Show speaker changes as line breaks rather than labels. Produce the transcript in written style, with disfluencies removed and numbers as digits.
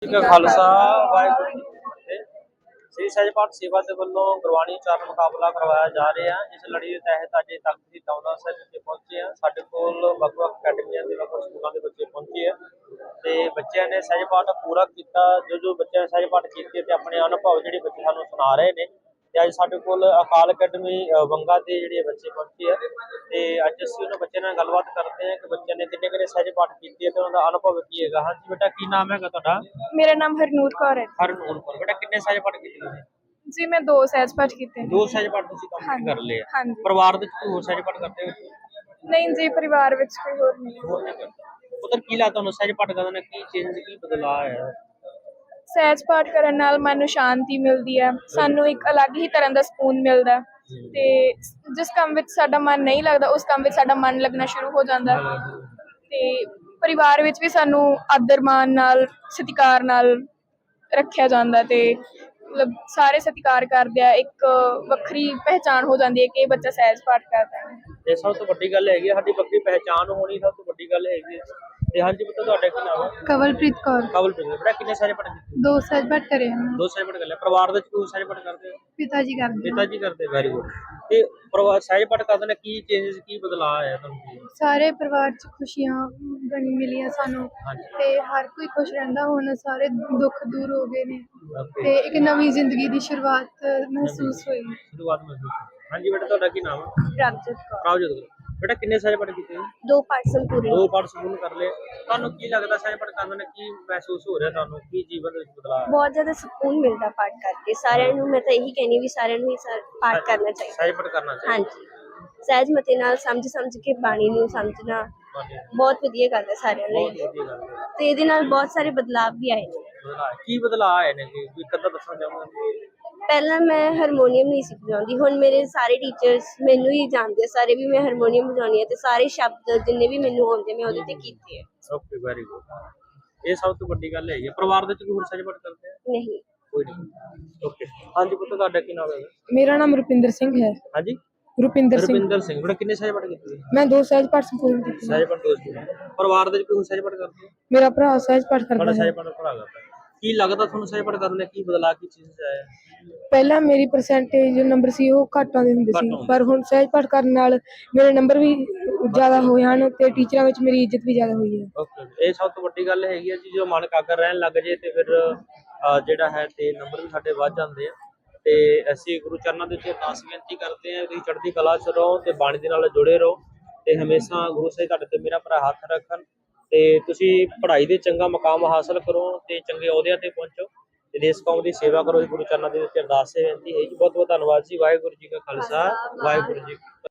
जी का खालसा वाहिगुरू जी की फतेह। श्री सਹਿਜ ਪਾਠ ਸੇਵਾ ਦੇ ਵੱਲੋਂ ਗੁਰਬਾਣੀ ਉਚਾਰਨ ਮੁਕਾਬਲਾ ਕਰਵਾਇਆ ਜਾ ਰਿਹਾ ਹੈ। ਇਸ ਲੜੀ ਦੇ ਤਹਿਤ ਅੱਜ ਤਖਤ ਦੀ ਦੌਲਤ ਸਾਹਿਬ ਵਿਖੇ ਪਹੁੰਚੇ ਆ। ਸਾਡੇ ਕੋਲ ਵੱਖ-ਵੱਖ ਅਕੈਡਮੀਆਂ ਦੇ ਵੱਖ-ਵੱਖ ਸਕੂਲਾਂ ਦੇ ਬੱਚੇ ਪਹੁੰਚੇ ਆ ਤੇ ਬੱਚਿਆਂ ਨੇ ਸਹਿਜ ਪਾਠ ਪੂਰਾ ਕੀਤਾ। ਜੋ ਬੱਚਿਆਂ ਨੇ ਸਹਿਜ ਪਾਠ ਕੀਤੇ ਤੇ ਆਪਣੇ ਅਨੁਭਵ ਜਿਹੜੇ ਬੱਚੇ ਸਾਨੂੰ ਸੁਣਾ ਰਹੇ ਨੇ ਤੇ ਅੱਜ ਸਾਡੇ ਕੋਲ ਅਕਾਲ ਅਕੈਡਮੀ ਬੰਗਾ ਦੇ ਜਿਹੜੇ ਬੱਚੇ ਪਹੁੰਚੇ ਆ ਤੇ ਅੱਜ ਅਸੀਂ ਉਹਨਾਂ ਬੱਚਿਆਂ ਨਾਲ ਗੱਲਬਾਤ ਕਰਦੇ ਹਾਂ ਕਿ ਬੱਚਿਆਂ ਨੇ ਕਿੰਨੇ ਸਹਿਜ ਪਾਠ ਕੀਤੇ ਤੇ ਉਹਨਾਂ ਦਾ ਅਨੁਭਵ ਕੀ ਹੈਗਾ। ਹਾਂਜੀ ਬੇਟਾ, ਕੀ ਨਾਮ ਹੈਗਾ ਤੁਹਾਡਾ?
ਮੇਰਾ ਨਾਮ ਹਰਨੂਰ ਕੌਰ ਹੈ।
ਹਰਨੂਰ ਕੌਰ। ਬੇਟਾ, ਕਿੰਨੇ ਸਹਿਜ ਪਾਠ ਕੀਤੇ ਤੁਸੀਂ?
ਜੀ ਮੈਂ 2 ਸਹਿਜ ਪਾਠ ਕੀਤੇ ਨੇ।
2 ਸਹਿਜ ਪਾਠ ਤੁਸੀਂ ਕੰਪਲੀਟ ਕਰ ਲਏ ਆ।
ਹਾਂਜੀ।
ਪਰਿਵਾਰ ਦੇ ਵਿੱਚ ਕੋਈ ਹੋਰ ਸਹਿਜ ਪਾਠ ਕਰਦੇ ਹੋ?
ਨਹੀਂ ਜੀ, ਪਰਿਵਾਰ ਵਿੱਚ ਕੋਈ ਹੋਰ ਨਹੀਂ।
ਹੋਰ ਨਹੀਂ ਕਰਦੇ। ਉਧਰ ਕੀ ਲੱਗਦਾ ਤੁਹਾਨੂੰ ਸਹਿਜ ਪਾਠ ਕਰਨ ਨਾਲ ਕੀ ਚੇਂਜ ਕੀ ਬਦਲਾਅ ਆਇਆ?
ਸਹਿਜ ਪਾਠ ਕਰਨ ਨਾਲ ਮਨ ਨੂੰ ਸ਼ਾਂਤੀ ਮਿਲਦੀ ਹੈ, ਸਾਨੂੰ ਇੱਕ ਅਲੱਗ ਹੀ ਤਰ੍ਹਾਂ ਦਾ ਸਕੂਨ ਮਿਲਦਾ ਹੈ ਤੇ ਜਿਸ ਕੰਮ ਵਿੱਚ ਸਾਡਾ ਮਨ ਨਹੀਂ ਲੱਗਦਾ ਉਸ ਕੰਮ ਵਿੱਚ ਸਾਡਾ ਮਨ ਲੱਗਣਾ ਸ਼ੁਰੂ ਹੋ ਜਾਂਦਾ ਹੈ। ਤੇ ਪਰਿਵਾਰ ਵਿੱਚ ਵੀ ਸਾਨੂੰ ਆਦਰ ਮਾਣ ਨਾਲ ਸਤਿਕਾਰ ਨਾਲ ਰੱਖਿਆ ਜਾਂਦਾ ਤੇ ਮਤਲਬ ਸਾਰੇ ਸਤਿਕਾਰ ਕਰਦੇ ਆ। ਇੱਕ ਵੱਖਰੀ ਪਹਿਚਾਣ ਹੋ ਜਾਂਦੀ ਹੈ ਕਿ ਇਹ ਬੱਚਾ ਸਹਿਜ ਪਾਠ ਕਰਦਾ ਹੈ।
ਤੇ ਸਭ ਤੋਂ ਵੱਡੀ ਗੱਲ ਹੈਗੀ ਸਾਡੀ ਵੱਖਰੀ ਪਹਿਚਾਣ ਹੋਣੀ, ਸਭ ਤੋਂ ਵੱਡੀ ਗੱਲ ਹੈਗੀ ਹੈ। ਤੇ ਹਾਂਜੀ ਪੁੱਤ, ਤੁਹਾਡਾ ਕੀ ਨਾਮ ਹੈ?
ਕਵਲਪ੍ਰੀਤ ਕੌਰ।
ਕਵਲਪ੍ਰੀਤ। ਬੇਟਾ, ਕਿੰਨੇ ਸਹਿਜ ਪਾਠ ਕੀਤੇ?
2 ਸਹਿਜ ਪਾਠ ਕਰੇ ਹਨ।
2 ਸਹਿਜ ਪਾਠ ਕਰ ਲਿਆ। ਪਰਿਵਾਰ ਦੇ ਵਿੱਚ ਕੋਈ ਸਹਿਜ ਪਾਠ ਕਰਦੇ ਹੋ?
ਪਿਤਾ ਜੀ ਕਰਦੇ
ਪਿਤਾ ਜੀ ਕਰਦੇ। Very good. ਤੇ ਪਰਿਵਾਰ ਸਹਿਜ ਪਾਠ ਕਰਨ ਨਾਲ ਕੀ ਚੇਂਜਸ ਕੀ ਬਦਲਾਅ ਆਇਆ ਤੁਹਾਨੂੰ?
ਸਾਰੇ ਪਰਿਵਾਰ 'ਚ ਖੁਸ਼ੀਆਂ ਬਣੀ ਮਿਲੀਆਂ ਸਾਨੂੰ ਤੇ ਹਰ ਕੋਈ ਖੁਸ਼ ਰਹਿੰਦਾ। ਹੁਣ ਸਾਰੇ ਦੁੱਖ ਦੂਰ ਹੋ ਗਏ ਨੇ ਤੇ ਇੱਕ ਨਵੀਂ ਜ਼ਿੰਦਗੀ ਦੀ ਸ਼ੁਰੂਆਤ ਮਹਿਸੂਸ ਹੋਈ।
ਸ਼ੁਰੂਆਤ ਮਹਿਸੂਸ। ਹਾਂਜੀ ਬੇਟਾ, ਤੁਹਾਡਾ ਕੀ ਨਾਮ ਹੈ?
ਪ੍ਰਭਜੋਤ ਕੌਰ।
ਪ੍ਰਭਜੋਤ। ਬੇਟਾ, ਕਿੰਨੇ ਸਹਿਜ ਪਾਠ ਕੀਤੇ?
2 ਪਾਠ ਸੰਪੂਰਨ।
2 ਪਾਠ ਸੰਪੂਰਨ ਕਰ ਲਏ। ਤੁਹਾਨੂੰ ਕੀ ਲੱਗਦਾ ਸਹਿਜ ਪਾਠ ਕਰਨ ਨਾਲ ਕੀ ਮਹਿਸੂਸ ਹੋ ਰਿਹਾ ਤੁਹਾਨੂੰ? ਕੀ ਜੀਵਨ ਦੇ ਵਿੱਚ ਬਦਲਾਅ ਆਇਆ?
ਬਹੁਤ ਜ਼ਿਆਦਾ ਸਕੂਨ ਮਿਲਦਾ ਪਾਠ ਕਰਕੇ। ਸਾਰਿਆਂ ਨੂੰ ਮੈਂ ਤਾਂ ਇਹੀ ਕਹਿੰਦੀ ਵੀ ਸਾਰਿਆਂ ਨੂੰ ਹੀ ਪਾਠ ਕਰਨਾ ਚਾਹੀਦਾ।
ਸਹਿਜ ਪਾਠ ਕਰਨਾ ਚਾਹੀਦਾ।
ਹਾਂਜੀ, ਸਹਿਜ ਮਤੇ ਨਾਲ ਸਮਝ ਕੇ ਬਾਣੀ ਨੂੰ ਸਮਝਣਾ ਬਹੁਤ ਵਧੀਆ ਗੱਲ ਹੈ ਸਾਰਿਆਂ ਲਈ।
ਬਹੁਤ ਵਧੀਆ ਗੱਲ ਹੈ।
ਤੇ ਇਹਦੇ ਨਾਲ ਬਹੁਤ ਸਾਰੇ ਬਦਲਾਅ ਵੀ ਆਏ ਨੇ।
ਕੀ ਬਦਲਾਅ ਆਏ ਨੇ ਜੀ? ਕੋਈ ਕਦਾ ਦੱਸਣਾ ਚਾਹੋਗੇ?
ਪਹਿਲਾਂ ਮੈਂ ਹਾਰਮੋਨੀਅਮ ਨਹੀਂ ਸੀ ਵਜਾਉਂਦੀ, ਹੁਣ ਮੇਰੇ ਸਾਰੇ ਟੀਚਰਸ ਮੈਨੂੰ ਹੀ ਜਾਣਦੇ ਆ ਸਾਰੇ ਵੀ ਮੈਂ ਹਾਰਮੋਨੀਅਮ ਵਜਾਉਂਦੀ ਹਾਂ ਤੇ ਸਾਰੇ ਸ਼ਬਦ ਜਿੰਨੇ ਵੀ ਮੈਨੂੰ ਆਉਂਦੇ ਮੈਂ ਉਹਦੇ ਤੇ ਕੀਤੇ ਆ।
Okay, very good. ਇਹ ਸਭ ਤੋਂ ਵੱਡੀ ਗੱਲ ਹੈਗੀ। ਪਰਿਵਾਰ ਦੇ ਵਿੱਚ ਕੋਈ ਹੋਰ ਸਹਿਜ ਪਾਠ ਕਰਦੇ ਆ?
ਨਹੀਂ।
ਕੋਈ ਨਹੀਂ। ਓਕੇ। ਹਾਂਜੀ ਪੁੱਤ, ਤੁਹਾਡਾ ਕੀ ਨਾਮ ਹੈ?
ਮੇਰਾ ਨਾਮ ਰੁਪਿੰਦਰ ਸਿੰਘ ਹੈ।
ਹਾਂਜੀ,
ਰੁਪਿੰਦਰ ਸਿੰਘ।
ਰੁਪਿੰਦਰ ਸਿੰਘ। ਬੇਟਾ, ਕਿੰਨੇ ਸਹਿਜ ਪਾਠ ਕੀਤੇ?
ਮੈਂ 2 ਸਹਿਜ ਪਾਠ ਸੰਪੂਰਨ ਕੀਤੇ।
ਸਹਿਜ ਪਾਠ 2 ਕੀਤੇ। ਪਰਿਵਾਰ ਦੇ ਵਿੱਚ ਕੋਈ ਹੋਰ ਸਹਿਜ ਪਾਠ ਕਰਦੇ ਆ?
ਮੇਰਾ ਭਰਾ ਸਹਿਜ ਪਾਠ ਕਰਦਾ
ਬੜਾ
ਹੈ।
ਸਹਿਜ ਪਾਠ ਭਰਾ ਕਰਦਾ। ਕੀ ਲੱਗਦਾ ਤੁਹਾਨੂੰ ਸਹਿਜ ਪਾਠ ਕਰਨ ਨਾਲ ਕੀ ਬਦਲਾਅ ਕੀ ਚੀਜ਼ 'ਚ ਆਇਆ?
ਪਹਿਲਾਂ ਮੇਰੀ ਪਰਸੈਂਟੇਜ ਜੋ ਨੰਬਰ ਸੀ ਉਹ ਘੱਟ ਆਉਂਦੇ ਹੁੰਦੇ ਸੀ, ਪਰ ਹੁਣ ਸਹਿਜ ਪਾਠ ਕਰਨ ਨਾਲ ਮੇਰੇ ਨੰਬਰ ਵੀ ਜ਼ਿਆਦਾ ਹੋਏ ਹਨ ਤੇ ਟੀਚਰਾਂ ਵਿੱਚ ਮੇਰੀ ਇੱਜ਼ਤ ਵੀ ਜ਼ਿਆਦਾ ਹੋਈ ਹੈ।
ਓਕੇ, ਇਹ ਸਭ ਤੋਂ ਵੱਡੀ ਗੱਲ ਹੈਗੀ ਹੈ ਜੀ। ਜੋ ਮਨ ਕਾਗਰ ਰਹਿਣ ਲੱਗ ਜੇ ਤੇ ਫਿਰ ਜਿਹੜਾ ਹੈ ਤੇ ਨੰਬਰ ਵੀ ਸਾਡੇ ਵੱਧ ਜਾਂਦੇ ਆ। ਤੇ ਅਸੀਂ ਗੁਰੂ ਚਰਨਾਂ ਦੇ ਉੱਤੇ ਅਰਦਾਸ ਬੇਨਤੀ ਕਰਦੇ ਹਾਂ, ਤੁਸੀਂ ਚੜ੍ਹਦੀ ਕਲਾ 'ਚ ਰਹੋ ਤੇ ਬਾਣੀ ਦੇ ਨਾਲ ਜੁੜੇ ਰਹੋ ਤੇ ਹਮੇਸ਼ਾ ਗੁਰੂ ਸਾਹਿਬ ਤੁਹਾਡੇ ਤੇ ਮੇਰਾ ਭਰਾ ਹੱਥ ਰੱਖਣ ਤੇ ਤੁਸੀਂ ਪੜ੍ਹਾਈ ਦੇ ਚੰਗਾ ਮੁਕਾਮ ਹਾਸਲ ਕਰੋ ਤੇ ਚੰਗੇ ਅਹੁਦਿਆਂ ਤੇ ਪਹੁੰਚੋ ਤੇ ਦੇਸ਼ ਕੌਮ ਦੀ ਸੇਵਾ ਕਰੋ। ਗੁਰੂ ਚਰਨਾਂ ਦੇ ਵਿੱਚ ਅਰਦਾਸ ਬੇਨਤੀ ਹੈ ਜੀ। ਬਹੁਤ ਬਹੁਤ ਧੰਨਵਾਦ ਜੀ। ਵਾਹਿਗੁਰੂ ਜੀ ਕਾ ਖਾਲਸਾ, ਵਾਹਿਗੁਰੂ ਜੀ ਕੀ ਫਤਿਹ।